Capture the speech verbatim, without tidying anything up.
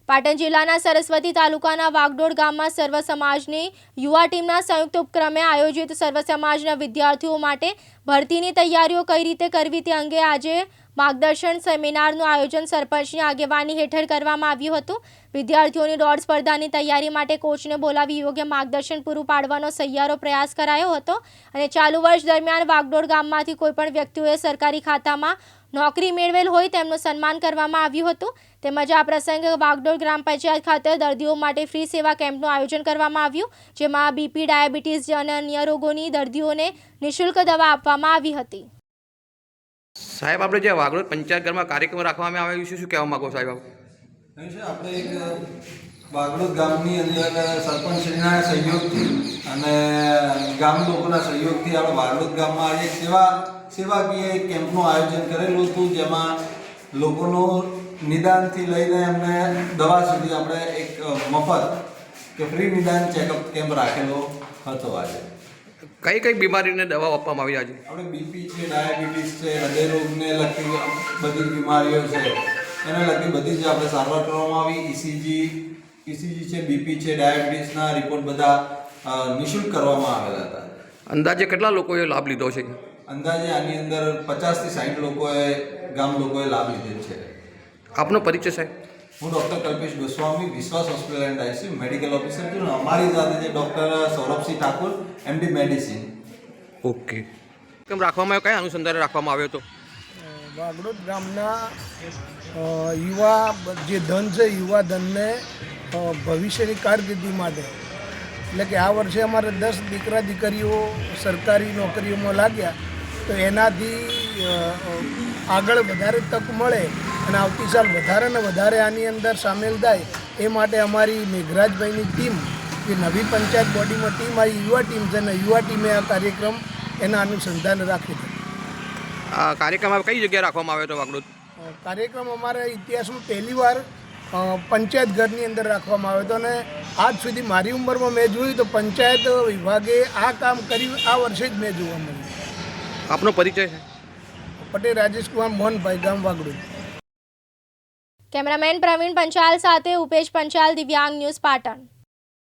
પાટણ જિલ્લાના સરસ્વતી તાલુકાના વાગડોળ ગામમાં સર્વ સમાજની યુવા ટીમના સંયુક્ત ઉપક્રમે આયોજિત સર્વ સમાજના વિદ્યાર્થીઓ માટે ભરતીની તૈયારીઓ કઈ રીતે કરવી તે અંગે આજે માર્ગદર્શન સેમિનારનું આયોજન સરપંચની આગેવાની હેઠળ કરવામાં આવ્યું હતું। વિદ્યાર્થીઓની દોડ સ્પર્ધાની તૈયારી માટે કોચને બોલાવી યોગ્ય માર્ગદર્શન પૂરું પાડવાનો સહિયારો પ્રયાસ કરાયો હતો અને ચાલુ વર્ષ દરમિયાન વાગડોળ ગામમાંથી કોઈપણ વ્યક્તિઓએ સરકારી ખાતામાં નોકરી મેળવેલ હોય તેમનું સન્માન કરવામાં આવ્યું હતું। તેમજ આ પ્રસંગે વાગડોળ ગ્રામ પંચાયત ખાતે દર્દીઓ માટે ફ્રી સેવા કેમ્પનું આયોજન કરવામાં આવ્યું, જેમાં બીપી, ડાયાબિટીસ અને અન્ય રોગોની દર્દીઓને નિઃશુલ્ક દવા આપવામાં આવી હતી। સાહેબ, આપણે જે વાગડોળ પંચાયત ઘરમાં કાર્યક્રમ રાખવામાં આવ્યો છે, શું કહેવા માંગો સાહેબ? નહીં છે, આપણે એક વાગડોળ ગામની અંદર સરપંચના સહયોગથી અને ગામ લોકોના સહયોગથી આપણે વાગડોળ ગામમાં આજે સેવા સેવાકીય કેમ્પનું આયોજન કરેલું હતું, જેમાં લોકોનું નિદાનથી લઈને એમને દવા સુધી આપણે એક મફત કે ફ્રી નિદાન ચેકઅપ કેમ્પ રાખેલો હતો। આજે કઈ કઈ બીમારીને દવા આપવામાં આવી? આજે આપણે બીપી છે, ડાયાબિટીસ છે, હૃદય રોગને લગતી બધી બીમારીઓ છે, એને લગતી બધી જ આપણે સારવાર કરવામાં આવી। ઈસીજી ઈસીજી છે, બીપી છે, ડાયાબિટીસના રિપોર્ટ બધા નિઃશુલ્ક કરવામાં આવેલા હતા। અંદાજે કેટલા લોકોએ લાભ લીધો છે? અંદાજે આની અંદર પચાસથી સાઠ લોકોએ ગામ લોકોએ લાભ લીધેલ છે। આપનો પરિચય સાહેબ? હું doctor Kalpesh Goswami, Vishwas hospital and ICU medical officer છું। અમારી સાથે છે doctor Saurabhsinh Thakur, MD medicine. Okay, કેમ રાખવામાં આવ્યો? કયા અનુસંધાને રાખવામાં આવ્યો હતો? વાગડોળ ગામના યુવા જે ધન છે, યુવા ધનને ભવિષ્યની કારકિર્દી માટે, એટલે કે આ વર્ષે અમારે દસ દીકરા દીકરીઓ સરકારી નોકરીઓમાં લાગ્યા, તો એનાથી આગળ વધારે તક મળે અને આવતી સાલ વધારે ને વધારે આની અંદર સામેલ થાય એ માટે અમારી મેઘરાજભાઈની ટીમ, જે નવી પંચાયત બોડીમાં ટીમ આવી, યુવા ટીમ છે ને યુવા ટીમે આ કાર્યક્રમ એના અનુસંધાન રાખ્યું હતું। આ કાર્યક્રમ કઈ જગ્યાએ રાખવામાં આવ્યો હતો? વાગડોળ કાર્યક્રમ અમારા ઇતિહાસમાં પહેલીવાર પંચાયત ઘરની અંદર રાખવામાં આવ્યો હતો અને આજ સુધી મારી ઉંમરમાં મેં જોયું તો પંચાયત વિભાગે આ કામ કર્યું આ વર્ષે જ મેં જોવા મળ્યું। આપનો પરિચય છે? પટેલ રાજેશ કુમાર મોહનભાઈ, ગામ વાગડોળ। કેમેરામેન પ્રવીણ પંચાલ સાથે ઉપેશ પંચાલ, દિવ્યાંગ ન્યૂઝ, પાટણ।